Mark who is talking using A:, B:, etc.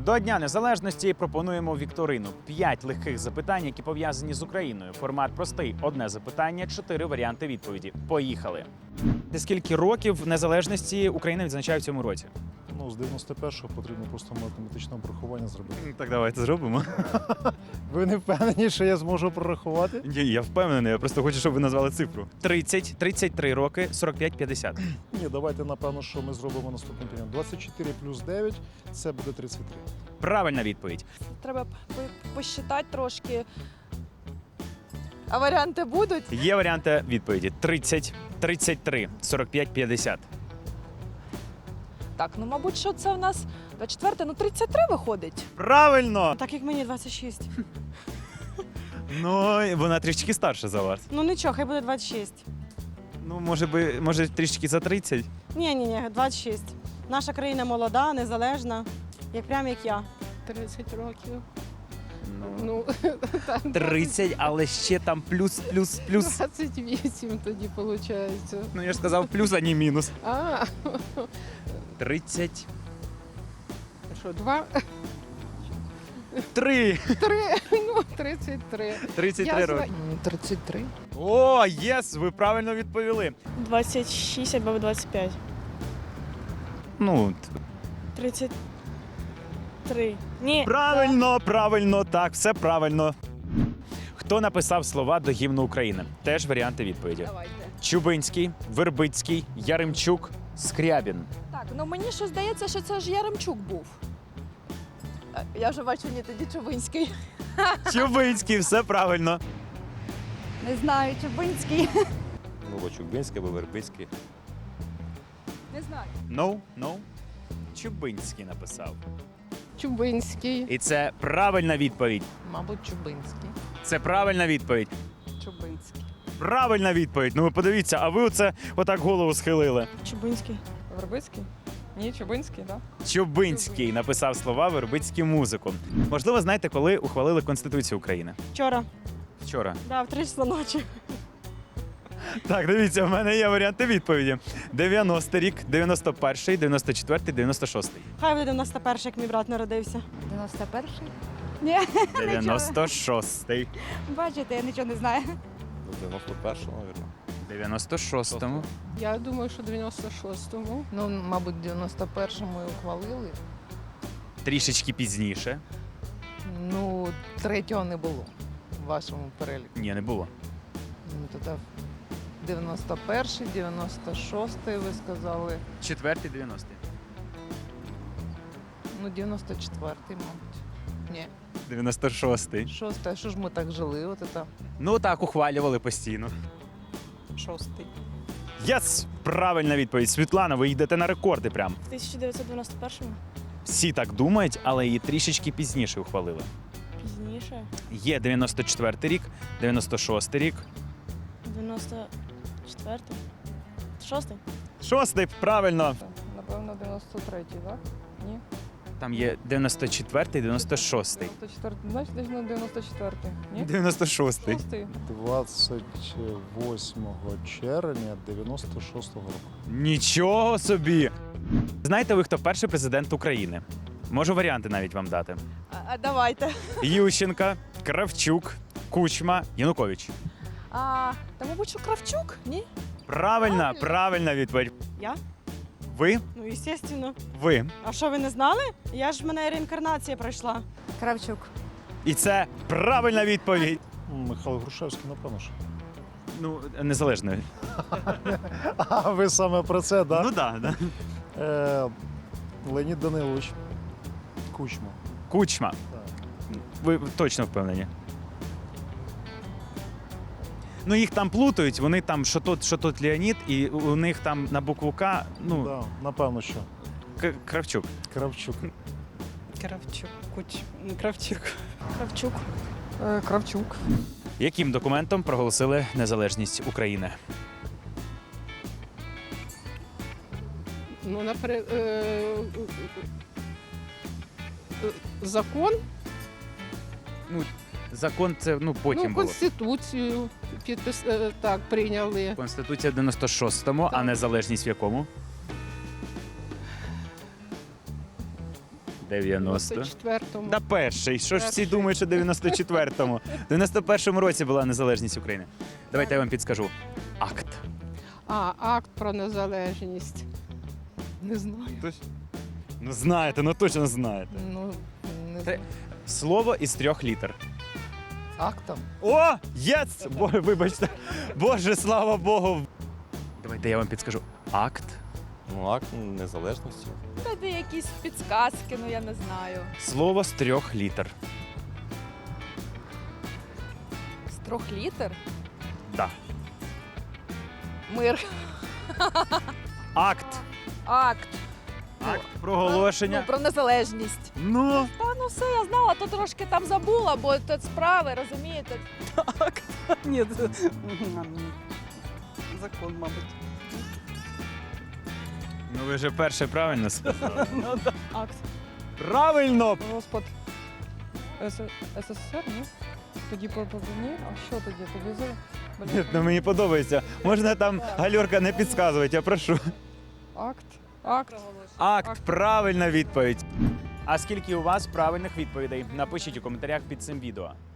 A: До Дня Незалежності пропонуємо вікторину. 5 легких запитань, які пов'язані з Україною. Формат простий. Одне запитання, 4 варіанти відповіді. Поїхали. Скільки років незалежності Україна відзначає в цьому році?
B: Ну, з 91-го потрібно просто математичне обрахування зробити.
A: Так давайте зробимо.
B: Ви не впевнені, що я зможу прорахувати?
A: Ні, я впевнений, я просто хочу, щоб ви назвали цифру. 30, 33 роки, 45, 50.
B: Ні, давайте, напевно, що ми зробимо наступним чином. 24 плюс 9 – це буде 33.
A: Правильна відповідь.
C: Треба посчитати трошки. А варіанти будуть?
A: Є варіанти відповіді. 30, 33, 45, 50.
C: Так, ну мабуть, що це в нас 24, ну 33 виходить.
A: Правильно!
D: Так як мені 26.
A: Ну, вона трішки старша за вас.
D: Ну нічого, хай буде 26.
A: Ну, може трішки за 30?
D: Ні, 26. Наша країна молода, незалежна, прям як я.
E: 30 років.
A: Ну,
E: Ну,
A: 30, але ще там плюс.
E: 28 тоді виходить.
A: Ну, я ж сказав плюс, а не мінус.
E: А,
A: 30.
E: що, 2?
A: 3.
E: 3, ну, 33.
A: 33 роки.
E: 33.
A: О, єс, ви правильно відповіли.
D: 26 або 25.
A: Ну,
D: 33. Ні.
A: правильно, так, все правильно. Хто написав слова до гімну України? Теж варіанти відповіді.
C: Давайте.
A: Чубинський, Вербицький, Яремчук, Скрябін.
C: Так, ну мені що здається, що це ж Яремчук був. Я вже бачу, ні, тоді Чубинський.
A: Чубинський, все правильно.
C: Не знаю, Чубинський.
F: Ну, або Чубинський, або Вербицький.
C: Не знаю.
A: No. Чубинський написав.
E: Чубинський.
A: І це правильна відповідь.
E: Мабуть, Чубинський.
A: Це правильна відповідь.
E: Чубинський.
A: Правильна відповідь. Ну ви подивіться, а ви оце отак голову схилили.
D: Чубинський.
E: Вербицький? Ні, Чубинський, так?
A: Чубинський написав слова Вербицький музику. Можливо, знаєте, коли ухвалили Конституцію України?
D: Вчора.
A: Вчора.
D: Да, в 3 числа ночі.
A: Так, дивіться, в мене є варіанти відповіді. 90 рік, 91-й, 94-й, 96-й.
D: Хай буде 91, як мій брат народився.
C: 91-й? Ні,
A: 96-й.
C: бачите, я нічого не знаю.
F: Ну, 91-го, мабуть.
A: 96-му.
E: Я думаю, що 96-му.
G: Ну, мабуть, в 91-му і ухвалили.
A: Трішечки пізніше.
G: Ну, третього не було в вашому переліку.
A: Ні, не було.
G: Ну, тоді 91-й, 96-й ви сказали.
A: 4-й, 90-й.
G: Ну, 94-й, мабуть. Ні,
A: 96-й.
G: 6-й. А що ж ми так жили? От це
A: Ну так, ухвалювали постійно.
G: 6-й.
A: Єс! Правильна відповідь. Світлана, ви йдете на рекорди прям.
D: В 1991-му.
A: Всі так думають, але її трішечки пізніше ухвалили.
D: Пізніше.
A: Є 94-й рік, 96-й рік.
D: 94-й. 6-й.
A: 6-й, правильно.
E: Напевно, 93-й, так? Ні?
A: Там є 94-й, 96-й.
E: 94, значить, десь на 94-й. Ні?
A: 96-й.
E: 6-й.
B: 28 червня 96-го року.
A: Нічого собі! Знаєте ви, хто перший президент України? Можу варіанти навіть вам дати.
C: А давайте.
A: Ющенка, Кравчук, Кучма, Янукович.
C: Та, мабуть, що Кравчук? Ні?
A: Правильна відповідь.
D: Я?
A: Ви?
D: Ну, звісно.
A: Ви.
D: А що, ви не знали? Я ж в мене реінкарнація пройшла.
C: Кравчук.
A: І це правильна відповідь.
B: Михайло Грушевський, напевно ж.
A: Ну, незалежно.
B: А ви саме про це, так?
A: Ну так, да.
B: Леонід Данилович Кучма.
A: Кучма.
B: Так.
A: Ви точно впевнені? Ну, їх там плутають, вони там, що тут Леонід, і у них там на букву К, ну,
B: Да, напевно, що.
A: Кравчук.
B: Кравчук.
G: Кравчук. Кравчук.
D: Кравчук.
E: Кравчук.
A: Яким документом проголосили незалежність України?
E: Ну, наприклад, закон,
A: Закон це, потім
E: ну,
A: було.
E: Конституцію так, прийняли.
A: Конституція в 96-му, а
E: Так.
A: незалежність в якому? 90.
E: 94-му.
A: Та перший. Що ж всі
E: Перший.
A: думають, що 94-му? В 91-му році була незалежність України. Давайте я вам підскажу. Акт.
E: Акт про незалежність. Не знаю.
A: Ну знаєте, ну точно знаєте.
G: Ну, не
A: Три.
G: знаю.
A: Слово із 3 літер.
G: Актом.
A: О! Єс! Вибачте. Боже, слава Богу. Давайте я вам підскажу. Акт.
F: Ну, акт незалежності.
C: Тоді якісь підсказки, ну я не знаю.
A: Слово з 3 літер.
C: З 3 літер?
A: Да.
C: Мир.
A: Акт.
C: Акт.
A: Акт проголошення.
C: Ну, про незалежність.
A: Ну.
C: Та ну все, я знала, то трошки там забула, бо тут справи, розумієте?
H: Ні, закон, мабуть.
A: Ну ви вже перше правильно сказали.
E: Акт.
A: Правильно!
E: Розпад СССР, ні? Тоді ні? А що тоді?
A: Ні, ну мені подобається. Можна там гальорка не підказувати, я прошу.
E: Акт. Акт.
A: Акт, правильна відповідь. А скільки у вас правильних відповідей? Напишіть у коментарях під цим відео.